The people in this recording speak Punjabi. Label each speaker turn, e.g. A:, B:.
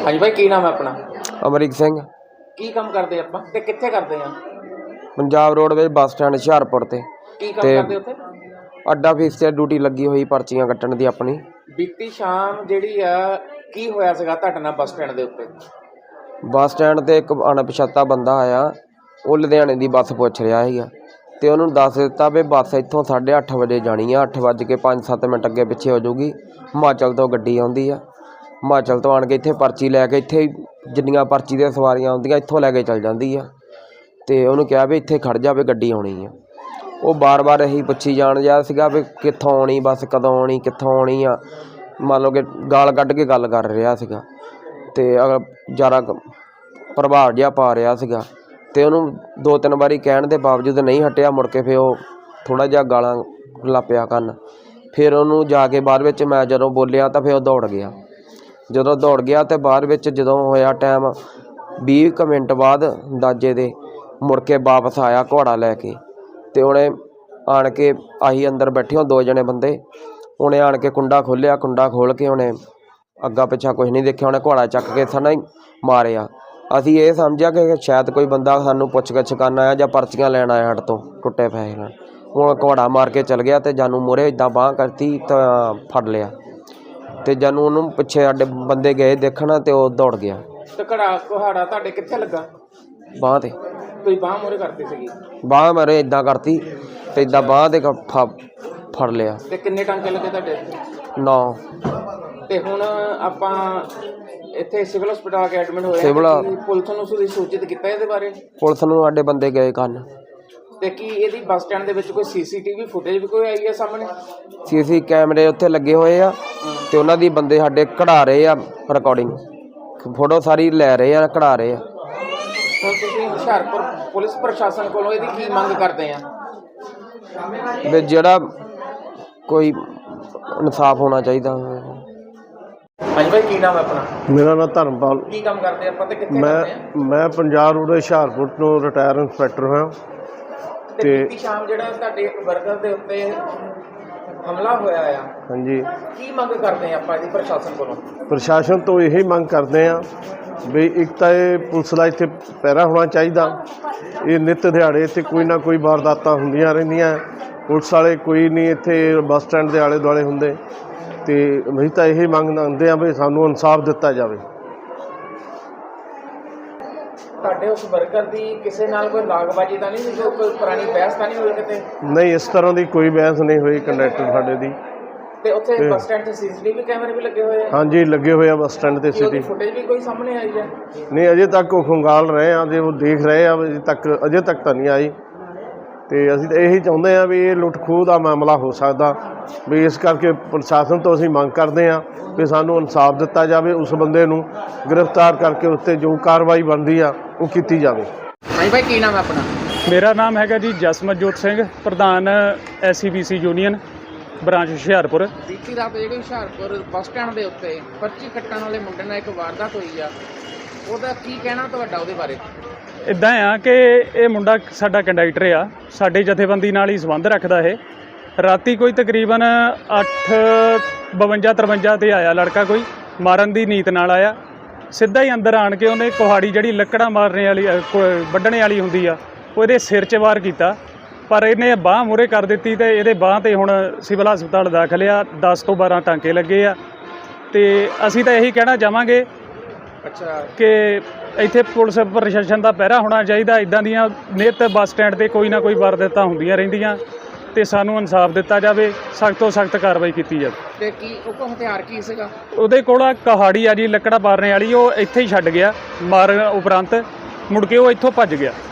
A: ਹਾਂਜੀ भाई की नाम है अपना?
B: अमरीक सिंह।
A: की काम करते ਆਪਾਂ ਤੇ ਕਿੱਥੇ ਕਰਦੇ ਆ?
B: Punjab roadways bus stand Hoshiarpur ते
A: ਕੀ ਕੰਮ ਕਰਦੇ ਉੱਥੇ?
B: अड्डा फीस ते ड्यूटी लगी हुई पर्चियां कट्टण दी अपनी।
A: ਬੀਤੀ ਸ਼ਾਮ ਜਿਹੜੀ ਆ ਕੀ ਹੋਇਆ ਸੀਗਾ ਤੁਹਾਡੇ ਨਾਲ ਬੱਸ ਸਟੈਂਡ ਦੇ ਉੱਤੇ?
B: बस स्टैंड ते एक अणपछाता बंदा आया, वो लुधियाने दी बस पुछ रहा है ते उन्होंने दस दिता भी बस इत्थों 8:30 बजे जानी है, 8:05-7 अगे पिछे हो जाऊगी। हिमाचल तो गड्डी आउंदी आ, हिमाचल तो आण के इत्थे पर्ची लैके इत्थे जिन्नियां पर्ची दी सवारियां आउंदियां इत्थों लैके चल जांदी आ ते उन्होंने कहा भी इत्थे खड़ जा भी गड्डी आउणी है। वो बार बार यही पुछी जाण दिया सीगा भी कित्थों आउणी बस, कदों आउणी, कित्थों आउणी आ, मान लो कि गाल कढ के गल कर रहा सीगा ते ज़्यादा प्रभाव जिहा पा रहा सीगा ते उन्होंने 2-3 बारी कहण दे बावजूद नहीं हटिया। मुड़ के फिर वो थोड़ा जिहा गालां लग पिया करन। फिर उन्होंने जाके बाद विच मैं जदों बोलिया तो फिर वो दौड़ गया। जदों दौड़ गया तो बाद विच जदों होया टाइम 20 मिनट बाद अंदाजे दे मुड़ के वापस आया घोड़ा लैके ते उन्हें आण के आही अंदर बैठे हो 2 जने बंदे, उन्हें आण के कुंडा खोलिया, कुंडा खोल के उन्हें अग्गा पिछा कुछ नहीं देखिया, उन्हें घोड़ा चक के सना ही मारिया। असी ये समझिया कि शायद कोई बंदा सानू पुछ गिछ करन आया जां पर्चियां लैण आया हट तो टुटे पैसे नाल। हुण घोड़ा मार के चल गया तो जानू मूहरे इदां बांह करती तो फड़ लिया ते जानू उन्होंने पिछे साडे बंदे गए देखना तो वो दौड़ गया।
A: ਤੇ ਕੁਹਾੜਾ ਤੁਹਾਡੇ ਕਿੱਥੇ ਲੱਗਾ?
B: बांह ते
A: ਤੁਸੀਂ ਬਾਹ ਮੂਹਰੇ ਕਰਤੀ ਸੀਗੀ
B: बांह मेरे इदां करती तो इदां बांह ते फड़ लिया।
A: ਤੇ ਕਿੰਨੇ ਟਾਂਕੇ ਲੱਗੇ ਤੁਹਾਡੇ?
B: 9
A: ਤੇ ਹੁਣ ਆਪਾਂ ਇੱਥੇ ਸਿਵਲ ਹਸਪਤਾਲ ਆ ਕੇ ਐਡਮਿਟ ਹੋਏ
B: ਸਿਵਲ
A: ਪੁਲਿਸ ਨੂੰ ਤੁਸੀਂ ਸੂਚਿਤ ਕੀਤਾ ਇਹਦੇ ਬਾਰੇ?
B: पुलिस नूं साडे बंदे गए करन।
A: ਤੇ ਕੀ ਇਹਦੀ ਬੱਸ ਸਟੈਂਡ ਦੇ ਵਿੱਚ ਕੋਈ ਸੀਸੀਟੀਵੀ ਫੁਟੇਜ ਵੀ ਕੋਈ ਆਈ ਹੈ ਸਾਹਮਣੇ?
B: सीसी कैमरे उत्थे लगे हुए आ ते उन्हां दी बंदे साडे कढ़ा रहे आ, रिकॉर्डिंग फोटो सारी लै रहे आ, कढ़ा रहे आ।
A: ਹੁਣ ਤੁਸੀਂ ਹੁਸ਼ਿਆਰਪੁਰ ਪੁਲਿਸ ਪ੍ਰਸ਼ਾਸਨ ਕੋਲੋਂ ਇਹਦੀ ਕੀ ਮੰਗ ਕਰਦੇ ਆ?
B: ਵੀ ਜਿਹੜਾ ਕੋਈ ਇਨਸਾਫ ਹੋਣਾ ਚਾਹੀਦਾ।
A: ਹਾਂਜੀ ਭਾਈ ਕੀ ਨਾਮ ਹੈ ਆਪਣਾ?
C: मेरा नाम धर्मपाल।
A: ਕੀ ਕੰਮ ਕਰਦੇ ਆਪਾਂ ਤੇ ਕਿੱਥੇ ਕਰਦੇ ਆ?
C: मैं पंजाब रोड हुशियारपुर ਤੋਂ ਰਿਟਾਇਰ ਇੰਸਪੈਕਟਰ ਹਾਂ
A: ਤੇ ਬੀਤੀ ਸ਼ਾਮ ਜਿਹੜਾ ਤੁਹਾਡੇ ਇੱਕ ਵਰਕਰ ਦੇ ਉੱਤੇ ਹਮਲਾ ਹੋਇਆ ਆ,
C: ਹਾਂਜੀ,
A: ਕੀ ਮੰਗ ਕਰਦੇ ਆ ਆਪਾਂ ਇਹਦੀ ਪ੍ਰਸ਼ਾਸਨ ਕੋਲੋਂ?
C: ਪ੍ਰਸ਼ਾਸਨ ਤੋਂ ਇਹੀ ਮੰਗ ਕਰਦੇ ਹਾਂ ਵੀ ਇੱਕ ਤਾਂ ਇਹ ਪੁਲਿਸ ਦਾ ਇੱਥੇ ਪਹਿਰਾ ਹੋਣਾ ਚਾਹੀਦਾ। ਇਹ ਨਿੱਤ ਦਿਹਾੜੇ ਇੱਥੇ ਕੋਈ ਨਾ ਕੋਈ ਵਾਰਦਾਤਾਂ ਹੁੰਦੀਆਂ ਰਹਿੰਦੀਆਂ, ਪੁਲਿਸ ਵਾਲੇ ਕੋਈ ਨਹੀਂ ਇੱਥੇ ਬੱਸ ਸਟੈਂਡ ਦੇ ਆਲੇ ਦੁਆਲੇ ਹੁੰਦੇ ਤੇ ਅਸੀਂ ਤਾਂ ਇਹੀ ਮੰਗ ਮੰਗਦੇ ਹਾਂ ਵੀ ਸਾਨੂੰ ਇਨਸਾਫ ਦਿੱਤਾ ਜਾਵੇ।
A: ਤੁਹਾਡੇ ਉਸ ਵਰਕਰ ਦੀ ਕਿਸੇ ਨਾਲ ਕੋਈ ਲਾਗਬਾਜੀ ਤਾਂ ਨਹੀਂ ਸੀ, ਕੋਈ ਪੁਰਾਣੀ ਬਹਿਸ ਤਾਂ ਨਹੀਂ ਹੋਈ ਕਿਤੇ?
C: ਨਹੀਂ, ਇਸ ਤਰ੍ਹਾਂ ਦੀ ਕੋਈ ਬਹਿਸ ਨਹੀਂ ਹੋਈ ਕੰਡਕਟਰ ਸਾਡੇ ਦੀ।
A: ਤੇ ਉੱਥੇ ਬੱਸ ਸਟੈਂਡ 'ਤੇ ਸੀਸੀਟੀਵੀ ਕੈਮਰੇ ਵੀ ਲੱਗੇ ਹੋਏ ਆ?
C: ਹਾਂਜੀ, ਲੱਗੇ ਹੋਏ ਆ ਬੱਸ ਸਟੈਂਡ ਤੇ
A: ਉਹਦੀ ਫੁਟੇਜ ਵੀ ਕੋਈ ਸਾਹਮਣੇ ਆਈ ਹੈ?
C: ਨਹੀਂ, ਅਜੇ ਤੱਕ ਉਹ ਖੰਗਾਲ ਰਹੇ ਆ, ਜੇ ਉਹ ਦੇਖ ਰਹੇ ਆ, ਅਜੇ ਤੱਕ ਤਾਂ ਨਹੀਂ ਆਈ। ਤੇ ਅਸੀਂ ਤਾਂ ਇਹੀ ਚਾਹੁੰਦੇ ਆ ਵੀ ਇਹ ਲੁੱਟ ਖੋਹ ਦਾ ਮਾਮਲਾ ਹੋ ਸਕਦਾ, ਵੀ ਇਸ ਕਰਕੇ ਪ੍ਰਸ਼ਾਸਨ ਤੋਂ ਅਸੀਂ ਮੰਗ ਕਰਦੇ ਹਾਂ ਵੀ ਸਾਨੂੰ ਇਨਸਾਫ ਦਿੱਤਾ ਜਾਵੇ, ਉਸ ਬੰਦੇ ਨੂੰ ਗ੍ਰਿਫਤਾਰ ਕਰਕੇ ਉਸ 'ਤੇ ਜੋ ਕਾਰਵਾਈ ਬਣਦੀ ਆ ਉਹ ਕੀਤੀ ਜਾਵੇ।
A: ਹਾਂਜੀ ਭਾਈ ਕੀ ਨਾਮ ਹੈ ਆਪਣਾ?
D: ਮੇਰਾ ਨਾਮ ਹੈਗਾ ਜੀ ਜਸਮਤਜੋਤ ਸਿੰਘ, ਪ੍ਰਧਾਨ SCBC ਯੂਨੀਅਨ ਬ੍ਰਾਂਚ ਹੁਸ਼ਿਆਰਪੁਰ।
A: ਬੀਤੀ ਰਾਤ ਜਿਹੜੀ ਹੁਸ਼ਿਆਰਪੁਰ ਬੱਸ ਸਟੈਂਡ ਦੇ ਉੱਤੇ ਪਰਚੀ ਕੱਟਣ ਵਾਲੇ ਮੁੰਡੇ ਨਾਲ ਇੱਕ ਵਾਰਦਾਤ ਹੋਈ ਆ, ਉਹਦਾ ਕੀ ਕਹਿਣਾ ਤੁਹਾਡਾ ਉਹਦੇ ਬਾਰੇ?
D: ਇੱਦਾਂ ਆ ਕਿ ਇਹ ਮੁੰਡਾ ਸਾਡਾ ਕੰਡਕਟਰ ਆ, ਸਾਡੇ ਜਥੇਬੰਦੀ ਨਾਲ ਹੀ ਸੰਬੰਧ ਰੱਖਦਾ। ਇਹ ਰਾਤੀ ਕੋਈ ਤਕਰੀਬਨ 8:52-53 ਤੇ ਆਇਆ ਲੜਕਾ, ਕੋਈ ਮਾਰਨ ਦੀ ਨੀਤ ਨਾਲ ਆਇਆ। ਸਿੱਧਾ ਹੀ ਅੰਦਰ ਆਣ ਕੇ ਉਹਨੇ ਕੁਹਾੜੀ ਜਿਹੜੀ ਲੱਕੜਾਂ ਮਾਰਨੇ ਵਾਲੀ ਵੱਢਣੇ ਵਾਲੀ ਹੁੰਦੀ ਆ, ਉਹਦੇ ਸਿਰ 'ਚ ਵਾਰ ਕੀਤਾ, ਪਰ ਇਹਨੇ ਬਾਂਹ ਮੂਹਰੇ ਕਰ ਦਿੱਤੀ ਤੇ ਇਹਦੇ ਬਾਂਹ 'ਤੇ ਹੁਣ ਸਿਵਲ ਹਸਪਤਾਲ ਦਾਖਲ ਆ। 10 ਤੋਂ 12 ਟਾਂਕੇ ਲੱਗੇ ਆ ਤੇ ਅਸੀਂ ਤਾਂ ਇਹੀ ਕਹਿਣਾ ਚਾਹਾਂਗੇ ਕਿ ਇੱਥੇ ਪੁਲਿਸ ਪ੍ਰਸ਼ਾਸਨ ਦਾ ਪਹਿਰਾ ਹੋਣਾ ਚਾਹੀਦਾ। ਇੱਦਾਂ ਦੀਆਂ ਨਿੱਤ ਬੱਸ ਸਟੈਂਡ 'ਤੇ ਕੋਈ ਨਾ ਕੋਈ ਵਾਰਦਾਤਾਂ ਹੁੰਦੀਆਂ ਰਹਿੰਦੀਆਂ ਤੇ ਸਾਨੂੰ ਇਨਸਾਫ ਦਿੱਤਾ ਜਾਵੇ, ਸਖਤ ਤੋਂ ਸਖਤ ਕਾਰਵਾਈ ਕੀਤੀ ਜਾਵੇ।
A: ਤੇ ਕੀ ਉਹ ਕੋਲ ਹਥਿਆਰ ਕੀ ਸੀਗਾ?
D: ਉਹਦੇ ਕੋਲ ਕੁਹਾੜੀ ਆ ਜੀ, ਲੱਕੜਾਂ ਮਾਰਨੇ ਵਾਲੀ, ਉਹ ਇੱਥੇ ਹੀ ਛੱਡ ਗਿਆ ਮਾਰਨ ਉਪਰੰਤ, ਮੁੜ ਕੇ ਉਹ ਇੱਥੋਂ ਭੱਜ ਗਿਆ।